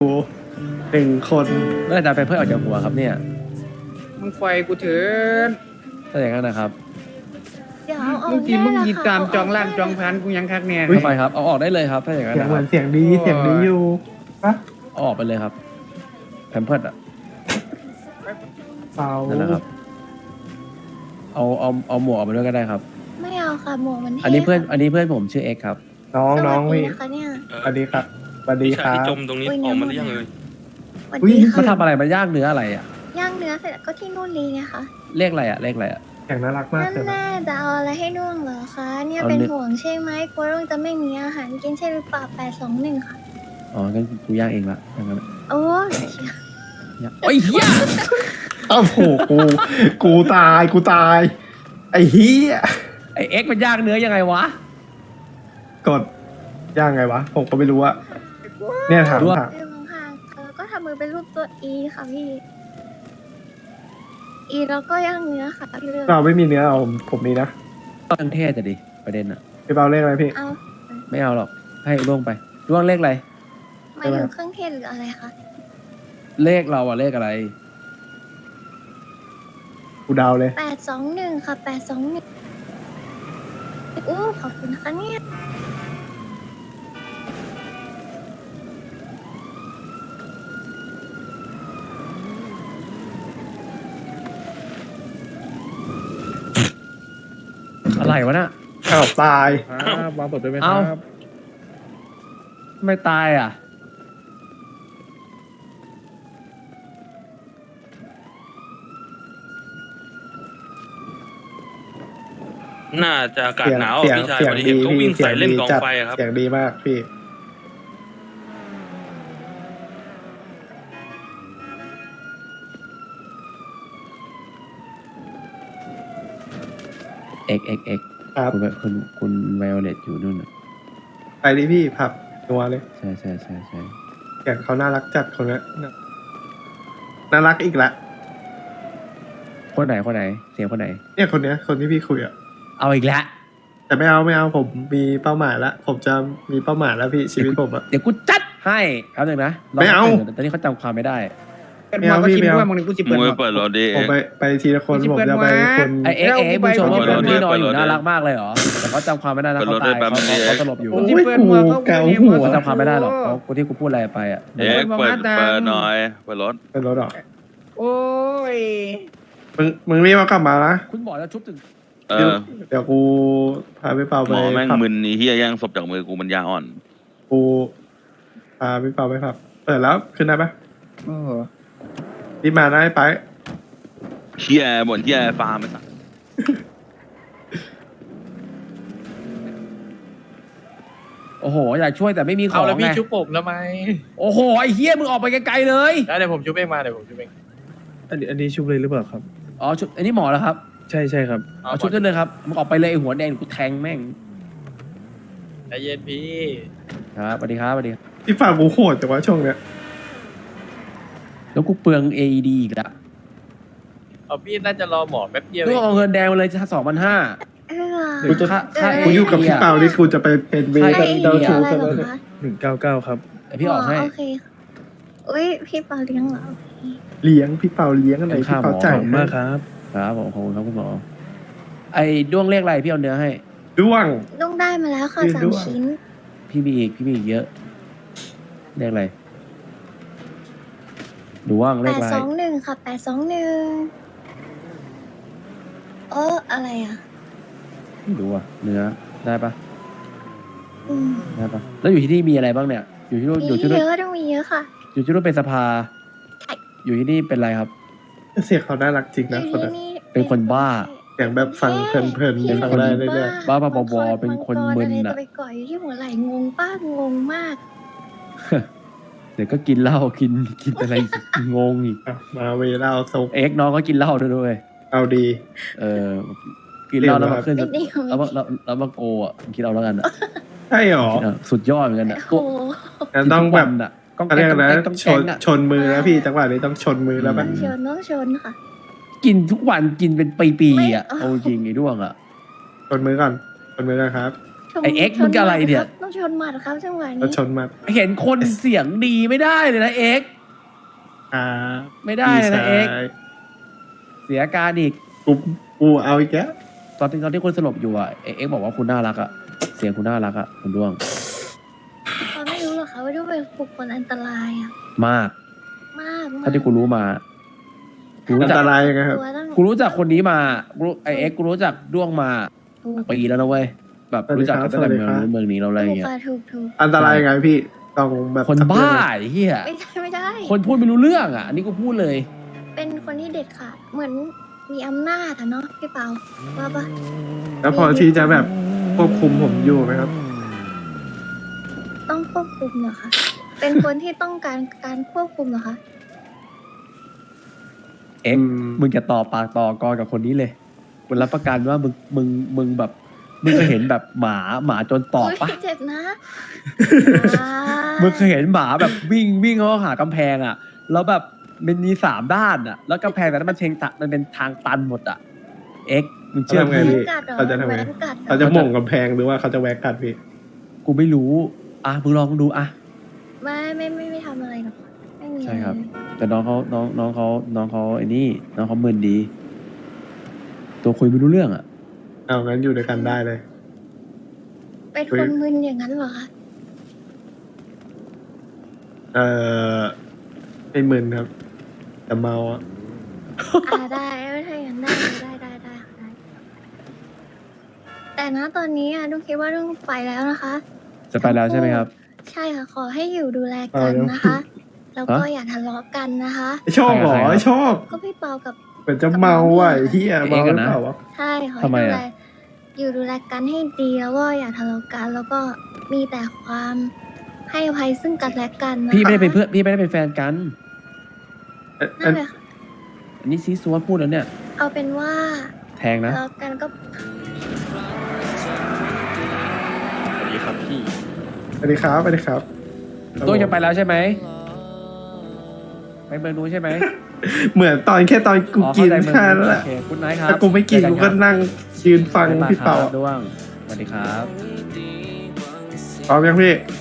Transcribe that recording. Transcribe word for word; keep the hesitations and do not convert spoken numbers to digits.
หนึ่งคนเมื่อจะไปเพื่อออกจากหัวครับเนี่ยมึงไฟกูเถินถ้าอย่างนั้นนะครับเดี๋ยวเอาออมึกงทีมึงได้หยิบละค่ะตามเกจองล่างได้จองพันกูยังคักเนี่ยเข้าไปครับเอาออกได้เลยครับถ้าอย่างนั้นเสียงนะเหคมืรัอบ นเสียงดีเสียงดีอยู่ปะเอาออกไปเลยครับแพมเพิร์ดอ่ะเปล่านั่นแหละครับเอาเอาเอาหมวกออกมาด้วยก็ได้ครับไม่เอาค่ะหมวกมันอันนี้เพื่อนท่อันนี้เพื่อนผมชื่อเอ็กครับน้องค่ะน้องสวัสพี่ดีนะคะเนี่ยสวัสดีครับสวัสดีวิคชารับที่จมตรงนี้อุ๊ยออกมาเนี่หยรือยังหมดเลยสวัสอุ๊ยดีเขาค่ะทำอะไรมาย่างเนื้ออะไรอ่ะย่างเนื้อเสร็จแล้วก็ที่นู่นลีไงคะเลขอะไรอ่ะเลขอะไรอ่ะเสียงน่ารักมากนั่นเลยนะแน่จะเอาอะไรให้ด้วงเหรอคะเนี่ยเอาเป็นเนื้อห่วงใช่ไหมกลัวด้วงจะไม่มีอาหารกินใช่หรือเปล่าแปดสองหนึ่งค่ะอ๋องั้นกูย่างเองละอย่างนั้นอะโอ้ยย่างโอ้ยเฮียอ้าวโหกูกูตายกูตายไอ้เฮียไอเอ็กมันย่างเนื้อยังไงวะกดย่างไงวะผมก็ไม่รู้อะเนี่ยถามรู้ว่าถามเรื่องห่างๆแล้วก็ทำมือเป็นรูปตัวอีค่ะพี่อีแล้วก็ย่างเนื้อค่ะพี่เลือกเราไม่มีเนื้อเอาผมผมมีนะตั้งเทศจะดิประเด็นอ่ะพี่เปาเลขอะไรพี่เอาไม่เอาหรอกให้ล่วงไปล่วงเลขอะไรหมายถึงเครื่องเทศหรืออะไรคะเลขเราอะเลขอะไรกูเดาเลยแปดสองหนึ่งค่ะแปดสองหนึ่งโอ้ขอบคุณนะคะเนี่ยอะไรวะน่ะอ้าวตายครับวางเปิดด้วยไหมคเอ้ารับไม่ตายอ่ะน่าจะอากาศเสียงหนาวเสียงพี่ชายเสียวังนนี้ดีเห็นเขาพี่วิ่งเสียใส่งเล่นดีกองจัดไฟอะครับเสียงดีมากพี่เอ็กเอ็กเอ็กครับคุณคุณคุณไวโอเลตอยู่นู่นน่ะไปดิพี่ผับนัวเลยใช่ใช่ใช่ใช่เสียงเขาน่ารักจัดคนนี้น่ารักอีกละคนไหนคนไหน เสียงคนไหนเนี่ยคนเนี้ยคนที่พี่คุยอะเอาอีกแล้วแต่ไม่เอาไม่เอาผมมีเป้าหมายแล้วผมจะมีเป้าหมายแล้วพี่ชีวิตผมอะเดี๋ยวกูจัดให้ครับหนึ่งนะไม่เอารตอนนี้เขาจำความไม่ได้เปิดหมวกก็ชิมด้วยมึงนี่กูสิมึเปิดงหมไปวกเปิดรถดิผมไปไปทีละคนไม่ใช่ผมเปิดจะไปวะคนไอเอ็กแล้วเอ็กกูมึงชมไปว่าเปิเพื่อดนรถพี่นอนอยู่เปิดรถน่ารักมากเลยเหรอ แต่เขาจำความไม่ได้นะเปิดเขารถตายได้แป๊บเขานึงดิเขาสลบอยู่โอ้กูยสิเปิดหมวกก็เกากูหัวเขาจำความไม่ได้หรอกเขากูที่กูพูดอะไรไปอ่ะเอ็กเปิดเปิดหน่อยเปิดรถเป็นรถหรอโอ้ยมึงมึงรีบเอากลับมานะคุณหมอจะชุบถึงเออเดี๋ยวกูพาพี่เปาไปหมอแม่งผับมึนนี่เฮียแย่งศพจากมือกูมันยาอ่อนกูพาพี่เปาไปผับเปิดแล้วขึ้นได้ปะโอ้โหรีบมาได้ไปเฮียบ่นเฮียฟาร์มไอ้สัสโอ้โหอยากช่วยแต่ไม่มีขอเอางแล้วพี่ไงชุบผมแล้วไหมโอ้โหไอ้เฮียมึงออกไปไกลๆเลยได้เดี๋ยวผมชุบเองมาเดี๋ยวผมชุบเองอันนี้อันนี้ชุบเลยหรือเปล่าครับอ๋อชุบอันนี้หมอแล้วครับใช่ใช่ครับเอาชุบได้เลยครับมึงออกไปเลยไอ้หัวแดงกูแทงแม่งใจเย็นพี่ครับสวัสดีครับสวัสดีครับพี่ฝากกูโหดแต่ว่าช่วงเนี้ยแล้วกูเปลือง เอ อี ดี อีกแล้วเอาพี่น่าจะรอหมอแป๊บเดียวต้เอองงเอาเงินแดงมาเลยสองพันห้าเออกูจะค่าค่ากูอยู่กับพี่เปานี่กูจะไปเป็นเวใช่กับไอเจ้าเดียชู้อะไรซะเหรแล้วอเนี่ยคะหนึ่งเก้าเก้าครับแต่พี่ออกให้โอเคค่ะอุ้ยพี่เปาเลี้ยงเหรอเลี้ยงพี่เปาเลี้ยงอะไรเป็นพี่ค่าหมอเปาขจ่าอย บคุณมากครับครับผมขอบคุณครับคุณหมอ ไอ้ด้วงเลขอะไรพี่เอาเนื้อให้ด้วงลุงได้มาแล้วค่ะยืนสาด้มวยชิ้นพี่มีอีกพี่มีอีกเยอะเลขอะไรด้วงเลแปขดอะไรสองหนึ่งค่ะแปดสองหนึ่งเอออะไรอ่ะไม่รู้อะเนื้อได้ปะอืมได้ปะแล้วอยู่ที่นี่มีอะไรบ้างเนี่ย อยู่ที่นู่นอยู่ที่มีนู่เยนอะต้องมีเยอะค่ะอยู่ที่นู่นเป็นสภาใช่อยู่ที่นี่เป็นอะไรครับเสียงเขาน่ารักจริงนะคนที่นั้นนี่เป็นคนบ้าเสียงแบบฟังเพลินๆพี่ฟังได้เรื่อยบ้าบ้าบอๆเป็นคนมึนอะอะจะไปก่อยอยู่ที่หัวไหล่งงป้างงมากเดี๋ยวก็กินเหล้ากินกินอะไรงงอีกๆอ่ะมาเวลาเอาซกเอ็กซ์น้องก็กินเหล้าด้วยด้วยเอาดีเออกินเหล้าแล้วมาขึ้นไม่ดีไม่แล้วมาดีแล้วแล้วมาโกอ่ะคิดเอาแล้วกันอะใช่หรอคิดเอาสุดยอดเหมือนกันอะโอ้โหงั้นต้องแบบกินทุกวันอะต้องเขาเรียกอะไรแก๊นะงต้องชแก๊นงอะชนมือแล้วพี่จังหวะนี้ต้องชนมือแล้วต้ปะองชนต้องชนค่ะกินทุกวันกินเป็นปีๆอ่ะไม่เอาเอาจริงไอ้ด้วงอ่ะชนมือก่อนชนมือก่อนครับชนไอ้ X ชมึงอะไรเนี่ยหมัดครับต้องชนหมัดครับจังหวะแล้วนี้ชนมาเห็นคนเสียงดีไม่ได้เลยนะเอ็กอ่าไม่ได้เลยนะเอ็กใช่เสียการอีกกูกูเอาอีกแล้วตอนที่ตอนที่คุณสลบอยู่อ่ะเอ็กบอกว่าคุณน่ารักอ่ะเสียงคุณน่ารักอ่ะคุณด้วงเขาไม่รู้หรอกค่ะว่าด้วยเป็นบุคคลอันตรายอะมากมากมากถ้าที่กูรู้มากูรู้อันจักตรายยังไงครับตัวตั้งกูรู้จักคนนี้มากูรู้ไอเอ็กกูรู้จักด้วงมาถูกปีแล้วนะเว้ยแบบรู้จักกันตั้งแต่เมืองนู้นเมืองนี้เราอะไรอย่างเงี้ยค่ะถูกถูกอันตรายยังไงพี่ต้องแบบคนบ้าไอ้เฮียไม่ใช่ไม่ใช่คนพูดไม่รู้เรื่องอ่ะอันนี้กูพูดเลยเป็นคนที่เด็ดขาดเหมือนมีอำนาจอะเนาะพี่เปาว่าปะแล้วพอที่จะแบบควบคุมผมอยู่ไหมครับต้องควบคุมเหรอคะเป็นคนที่ต้องการการควบคุมเหรอคะเอ็กอืมมึงจะต่อปากต่อกรกับคนนี้เลยกูรับประกันว่ามึงมึงมึงแบบมึงเคยเห็นแบบหมาหมาจนตอบปะยเจ็บนะมึงเคยเห็นหมาแบบวิ่งวิ่งเข้าหากำแพงอ่ะ แล้วแบบมันมีสามด้านอ่ะ แล้วกำแพงแต่นั้นมันเชงตะมันเป็นทางตันหมดอ่ะ เอ็กมึงเชื่อทำไงพี่พี่กัดเหรอเขาจะทำไงแหวนกัดเหรอเขาจะหม่งกำแพงหรือว่าเขาจะแวกกัดพี่กูไม่รู้ อ่ะมึงลองดูอ่ะไม่ไม่ไม่ไม่ทำอะไรหรอกไม่มีอะใช่ไรครับเลยแต่น้องเขาน้องน้องเขาน้องเขาไอ้นี่ น้องเขามึนดี ตัวคุยไม่รู้เรื่องอ่ะเอางั้นอยู่ด้วยกันได้เลยเป็นคนมึนอย่างนั้นเหรอคะเอ่อไม่มึนครับ แต่เมาอะอ่าได้ไม่ใช่อย่างนั้นได้ได้ได้ได้ได้แต่นะตอนนี้อะต้องคิดว่าต้องไปแล้วนะคะจะไปแล้วใช่ไหมครับใช่ค่ะ ขอให้อยู่ดูแลกันนะคะ แล้วก็อย่าทะเลาะกันนะคะไอ้ชอบเหรอใครอะไอ้ชอบก็พี่เปากับเหมือนจะเมาว่ะไอ้เฮียเอ๊ะเมาหกัรืนอนะเปล่าวะใช่ขอทำไมให้ดูอะแลอยู่ดูแลกันให้ดีแล้วก็อย่าทะเลาะกัน แล้วก็มีแต่ความให้อภัยซึ่งกันและกันนะคะพี่ไม่ได้เป็นเพื่อนพี่ไม่ได้เป็นแฟนกันเอ่อนั่นแหละค่ะอันนี้ซีซัวพูดแล้วเนี่ยเอาเป็นว่าแทงนะทะเลาะกันก็สวัสดีครับพี่สวัสดีครับสวัสดีครับตัวจะไปแล้วใช่ไหมไปเมืองนู้นใช่ไหมเหมือนตอนแค่ตอนกูอ๋อกินเข้าใจเมืองแค่นู้นั้น นแหละโอเคคุณไนท์ครับถ้ากูไม่กินเจอกูคก็รับนั่งยืนฟังบ๊ายบายพี่เป่าครับด้วงสวัสดีครับพร้อมยังพี่พ